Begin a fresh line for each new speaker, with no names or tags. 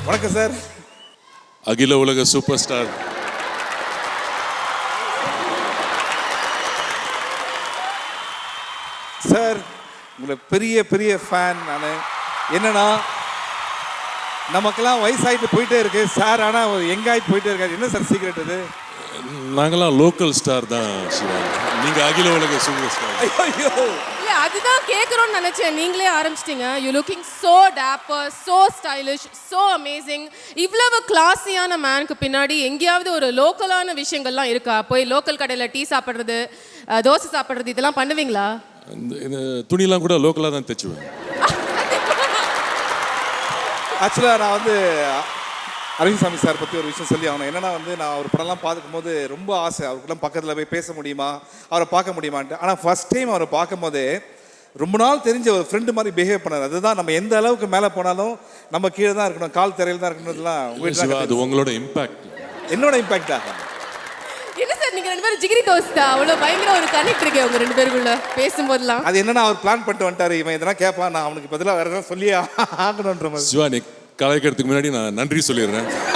வணக்கம் சார்.
அகில உலக சூப்பர் ஸ்டார்
சார் உங்களை பெரிய பெரிய ஃபேன் நான். என்னன்னா நமக்கெல்லாம் வயசாயிட்டு போயிட்டே இருக்கு சார், ஆனால் எங்காயிட்டு போயிட்டே இருக்காரு. என்ன சார் சீக்ரெட் இது?
நாங்களாம் லோக்கல் ஸ்டார் தான் சிவா, நீங்க அகில உலக சூப்பர் ஸ்டார்.
ஐயோ
இல்ல அதுதான் கேட்கணும்னு நினைச்சேன். நீங்களே ஆரம்பிச்சிட்டீங்க. You looking so dapper, so stylish, so amazing. இவ்வளவு கிளாஸியான மேனுக்கு பின்னாடி எங்கேயாவது ஒரு லோக்கலான விஷயங்கள்லாம் இருக்கா? போய் லோக்கல் கடையில் டீ சாப்பிட்றது, தோசை சாப்பிட்றது, இதெல்லாம் பண்ணுவீங்களா?
இந்த துணிலாம் கூட லோக்கலாக தான் தைச்சுவேன்.
ஆக்சுவலாக நான் வந்து அரவிந்த் சார் பற்றி ஒரு விஷயம் சொல்லி ஆகணும். என்னன்னா வந்து நான் அவர் படம்லாம் பார்க்கும் போது ரொம்ப ஆசை, அவருக்குலாம் பக்கத்தில் போய் பேச முடியுமா, அவரை பார்க்க முடியுமான்ட்டு. ஆனால் ஃபர்ஸ்ட் டைம் அவரை பார்க்கும் போதே ரொம்ப நாள் தெரிஞ்ச ஒரு ஃப்ரெண்டு மாதிரி பிஹேவ் பண்ணார். அதுதான் நம்ம எந்த அளவுக்கு மேலே போனாலும் நம்ம கீழே தான் இருக்கணும், கால் தரையில் தான் இருக்கணும்லாம்.
அது உங்களோட இம்பாக்ட்.
என்னோட இம்பாக்டா?
என்ன சார் நீங்க ரெண்டு பேரும் ஜிகிரி தோஸ்தா? அவ்வளோ பயங்கர ஒரு கனெக்ட் இருக்கே உங்க ரெண்டு பேருக்குள்ள பேசும்போதெல்லாம்.
அது என்னன்னா அவர் பிளான் பண்ணிட்டு வந்துட்டாரு, இவன் இதெல்லாம் கேட்பான், நான் அவனுக்கு பதிலாக வேற எதாவது சொல்லி ஆகணுன்ற மாதிரி.
சிவா, நீ கலைக்கிறதுக்கு முன்னாடி நான் நன்றி சொல்லிடுறேன்.